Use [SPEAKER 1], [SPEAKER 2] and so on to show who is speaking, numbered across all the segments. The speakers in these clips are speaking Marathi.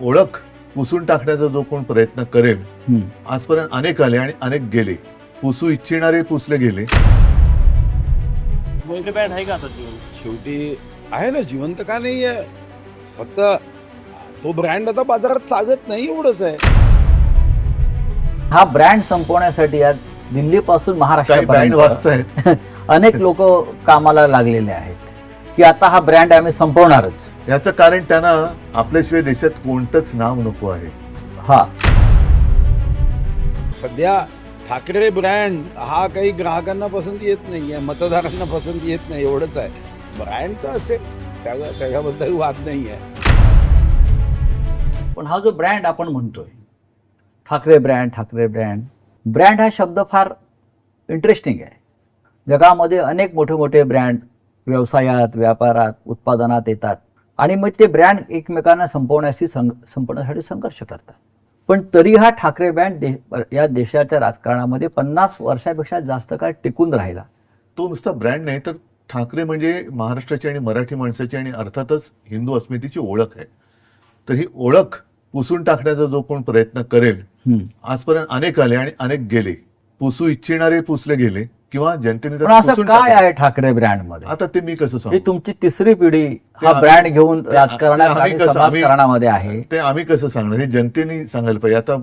[SPEAKER 1] ओळख पुसून टाकण्याचा जो कोण प्रयत्न करेल, आजपर्यंत अनेक आले आणि अनेक गेले. पुसू इच्छिणारे पुसले गेले.
[SPEAKER 2] ब्रँड आहे का आता जीवन?
[SPEAKER 3] शेवटी आहे ना, जिवंत का नाही आहे, फक्त तो ब्रँड आता बाजारात चालत नाही एवढंच आहे.
[SPEAKER 4] हा ब्रँड संपवण्यासाठी आज दिल्लीपासून
[SPEAKER 1] काही
[SPEAKER 4] महाराष्ट्रापर्यंत
[SPEAKER 1] ब्रँड वाचतायत.
[SPEAKER 4] अनेक लोक कामाला लागलेले आहेत की आता हा ब्रँड आम्ही संपवणारच.
[SPEAKER 1] याचं कारण त्यांना आपल्याशिवाय देशात कोणतंच नाव नको आहे.
[SPEAKER 4] हा
[SPEAKER 3] सध्या ठाकरे ब्रँड हा काही ग्राहकांना पसंती येत नाहीये, मतदारांना पसंती येत नाही एवढंच आहे. ब्रँड तर असेल, त्याच्याबद्दल वाद नाही आहे.
[SPEAKER 4] पण हा जो ब्रँड आपण म्हणतोय, ठाकरे ब्रँड हा शब्द फार इंटरेस्टिंग आहे. जगामध्ये अनेक मोठे मोठे ब्रँड व्यवसायात, व्यापारात, उत्पादनात येतात आणि मग ते ब्रँड एकमेकांना संपवण्यासाठी संघर्ष करतात. पण तरी हा ठाकरे ब्रँड या देशाच्या राजकारणामध्ये 50 वर्षापेक्षा जास्त काळ टिकून राहिला.
[SPEAKER 1] तो नुसता ब्रँड नाही, तर ठाकरे म्हणजे महाराष्ट्राची आणि मराठी माणसाची आणि अर्थातच हिंदू अस्मितेची ओळख आहे. तर ही ओळख पुसून टाकण्याचा जो कोण प्रयत्न करेल, आजपर्यंत अनेक आले आणि अनेक गेले. पुसू इच्छिणारे पुसले गेले किंवा जनतेने
[SPEAKER 4] पण
[SPEAKER 1] त्याला
[SPEAKER 4] असं
[SPEAKER 1] पुसून
[SPEAKER 4] काय
[SPEAKER 1] टाकलं.
[SPEAKER 4] आहे ठाकरे ब्रँड मध्ये?
[SPEAKER 1] आता ते मी कसं
[SPEAKER 4] ही
[SPEAKER 1] सांगू?
[SPEAKER 4] तुमची तिसरी पिढी हा
[SPEAKER 1] ते
[SPEAKER 4] ब्रँड घेऊन
[SPEAKER 1] ते
[SPEAKER 4] राजकारणात
[SPEAKER 1] आम्ही
[SPEAKER 4] आणि
[SPEAKER 1] कसं-
[SPEAKER 4] समाजकारणामध्ये आहे.
[SPEAKER 1] ते आम्ही कसं सांगणार? हे जनतेने सांगायला पाहिजे. आता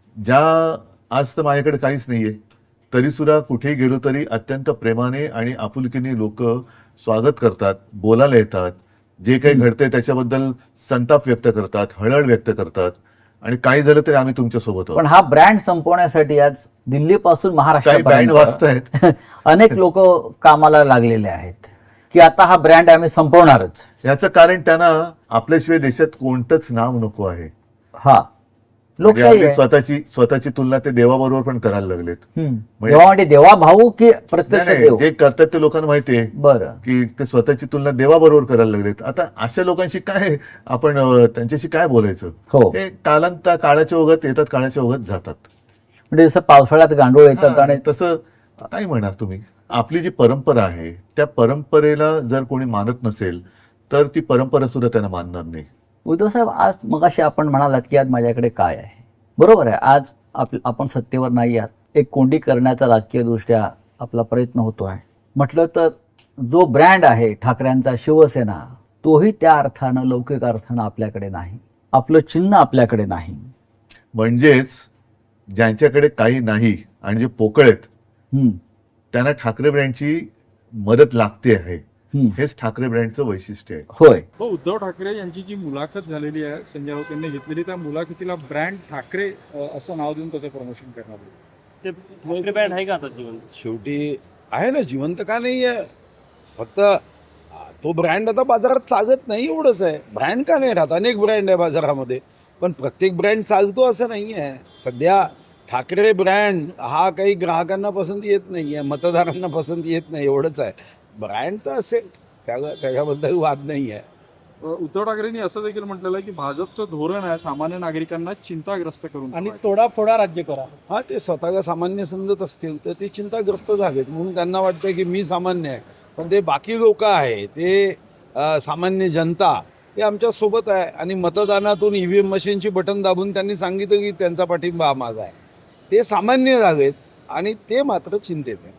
[SPEAKER 1] आज तर माझ्याकडे काहीच नाहीये, तरी सुद्धा कुठेही गेलो तरी अत्यंत प्रेमाने आणि आपुलकीने लोक स्वागत करतात, बोलायला येतात, जे काही घडतंय त्याच्याबद्दल संताप व्यक्त करतात, हळहळ व्यक्त करतात आणि काही झालं तरी आम्ही तुमच्या सोबत आहोत.
[SPEAKER 4] पण हा ब्रँड संपवण्यासाठी आज दिल्लीपासून
[SPEAKER 1] काही ब्रँड
[SPEAKER 4] महाराष्ट्रापर्यंत
[SPEAKER 1] वाचतायत.
[SPEAKER 4] अनेक लोक कामाला लागलेले आहेत की आता हा ब्रँड आम्ही संपवणारच.
[SPEAKER 1] याचं कारण त्यांना आपल्याशिवाय देशात कोणतंच नाव नको आहे.
[SPEAKER 4] हा
[SPEAKER 1] म्हणजे
[SPEAKER 4] लोकशाही
[SPEAKER 1] आपली
[SPEAKER 4] आहे.
[SPEAKER 1] स्वतःची तुलना ते देवाबरोबर पण करायला लागलेत.
[SPEAKER 4] देवा म्हणजे देवा भाऊ की प्रत्यक्ष
[SPEAKER 1] नाही,
[SPEAKER 4] देव?
[SPEAKER 1] जे करतात ते लोकांना माहिती आहे
[SPEAKER 4] बरं.
[SPEAKER 1] की ते स्वतःची तुलना देवाबरोबर करायला लागलेत. आता अशा लोकांशी काय आपण त्यांच्याशी काय बोलायचं?
[SPEAKER 4] हो.
[SPEAKER 1] ते काळाच्या ओघात येतात, काळाच्या ओघात जातात.
[SPEAKER 4] म्हणजे जसं पावसाळ्यात गांडूळ येतात
[SPEAKER 1] हा,
[SPEAKER 4] आणि
[SPEAKER 1] तसं काय म्हणा तुम्ही. आपली जी परंपरा आहे त्या परंपरेला जर कोणी मानत नसेल तर ती परंपरा सुद्धा त्यांना मानणार नाही.
[SPEAKER 4] उद्धव साहेब, आज मगाशी आपण म्हणालात की आज माझ्याकडे काय आहे. बरोबर आहे, आज आपण सत्तेवर नाही आहात. एक कोंडी करण्याचा राजकीय दृष्ट्या आपला प्रयत्न होतो आहे. म्हटलं तर जो ब्रँड आहे ठाकरेंचा, शिवसेना, तोही त्या अर्थानं, लौकिक अर्थानं आपल्याकडे नाही. आपलं चिन्ह आपल्याकडे नाही.
[SPEAKER 1] म्हणजेच ज्यांच्याकडे काही नाही आणि जे पोकळ आहेत त्यांना ठाकरे ब्रँडची मदत लागते आहे. हेच ठाकरे ब्रँडचं वैशिष्ट्य आहे.
[SPEAKER 4] होय.
[SPEAKER 5] उद्धव ठाकरे यांची जी मुलाखत झालेली आहे, संजय राऊत यांनी घेतलेली, त्या मुलाखतीला ब्रँड ठाकरे असं नाव देऊन त्याचं प्रमोशन करणार.
[SPEAKER 2] ते ठाकरे ब्रँड आहे का आता जीवन?
[SPEAKER 3] शेवटी आहे ना, जिवंत का नाही आहे, फक्त तो ब्रँड आता बाजारात चालत नाही एवढंच आहे. ब्रँड का नाही राहत, अनेक ब्रँड आहे बाजारामध्ये, पण प्रत्येक ब्रँड चालतो असं नाही आहे. सध्या ठाकरे ब्रँड हा काही ग्राहकांना पसंती येत नाहीये, मतदारांना पसंती येत नाही एवढंच आहे. ब्रँड तर असेल, त्याच्याबद्दल वाद नाही आहे.
[SPEAKER 5] उद्धव ठाकरेंनी असं देखील म्हटलेलं आहे की भाजपचं धोरण आहे सामान्य नागरिकांना चिंताग्रस्त करून
[SPEAKER 2] आणि तोडाफोडा राज्य करा.
[SPEAKER 3] हा, ते स्वतःला सामान्य समजत असतील तर ते चिंताग्रस्त झालेत म्हणून त्यांना वाटतं की मी सामान्य आहे, पण ते बाकी लोक आहे, ते सामान्य जनता, हे आमच्या सोबत आहे. आणि मतदानातून EVM मशीनची बटन दाबून त्यांनी सांगितलं की त्यांचा पाठिंबा हा माझा आहे. ते सामान्य झालेत आणि ते मात्र चिंतेत आहे.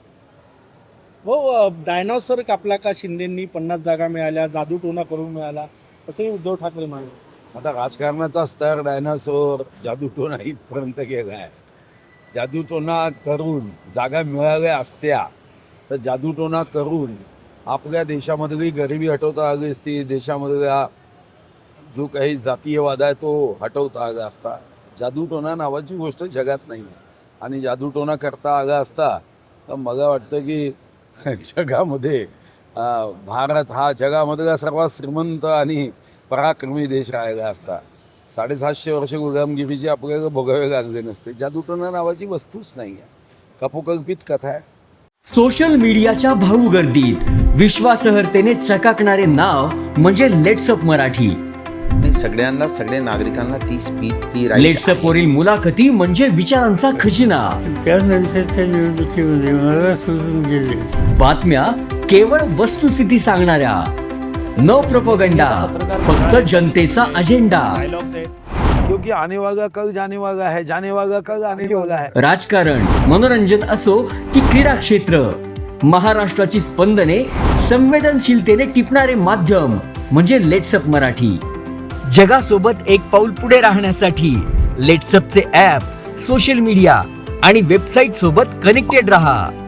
[SPEAKER 2] हो, डायनॉसॉर कापला का शिंदेंनी, 50 जागा मिळाल्या, जादूटोना करून मिळाला, असंही उद्धव ठाकरे म्हणाले.
[SPEAKER 3] आता राजकारणाचा स्तर डायनासोर, जादूटोना इथपर्यंत गेला आहे. जादूटोना करून जागा मिळाल्या असत्या तर जादूटोना करून आपल्या देशामधली गरिबी हटवता आली असती, देशामधला जो काही जातीयवाद आहे तो हटवता आला असता. जादूटोना नावाची गोष्ट जगात नाही आहे आणि जादूटोना करता आला असता तर मला वाटतं की जगामध्ये भारत हा जगामधला सर्वात श्रीमंत आणि पराक्रमी देश राहिला असता. 750 वर्ष गुलामगिरीची आपल्याला भोगावे लागले नसते. जादूटोना नावाची वस्तूच नाही आहे, कपोकल्पित कथा आहे.
[SPEAKER 6] सोशल मीडियाच्या भाऊ गर्दीत विश्वासार्हतेने चकाकणारे नाव म्हणजे लेट्सअप मराठी.
[SPEAKER 7] सगळ्यांना, सगळ्या नागरिकांना ती स्पीच, ती
[SPEAKER 6] लेट्सअप वरील मुलाखती म्हणजे विचारांचा खजिना.
[SPEAKER 8] त्यानंतरच्या निवडणुकीमध्ये मला सोडून गेले.
[SPEAKER 6] बातम्या केवळ वस्तुस्थिती सांगणाऱ्या, न प्रोपगंडा, फक्त जनतेचा अजेंडा.
[SPEAKER 3] क्योंकि आने वाला कल जाने वाला है, जाने वाला कल आने वाला है.
[SPEAKER 6] राजकारण, मनोरंजन असो की क्रीडा क्षेत्र, महाराष्ट्राची स्पंदने संवेदनशीलतेने टिपणारे माध्यम म्हणजे लेट्सअप मराठी. जगासोबत एक पाऊल पुढे राहण्यासाठी लेट्सअपचे ॲप, सोशल मीडिया आणि वेबसाईट सोबत कनेक्टेड रहा.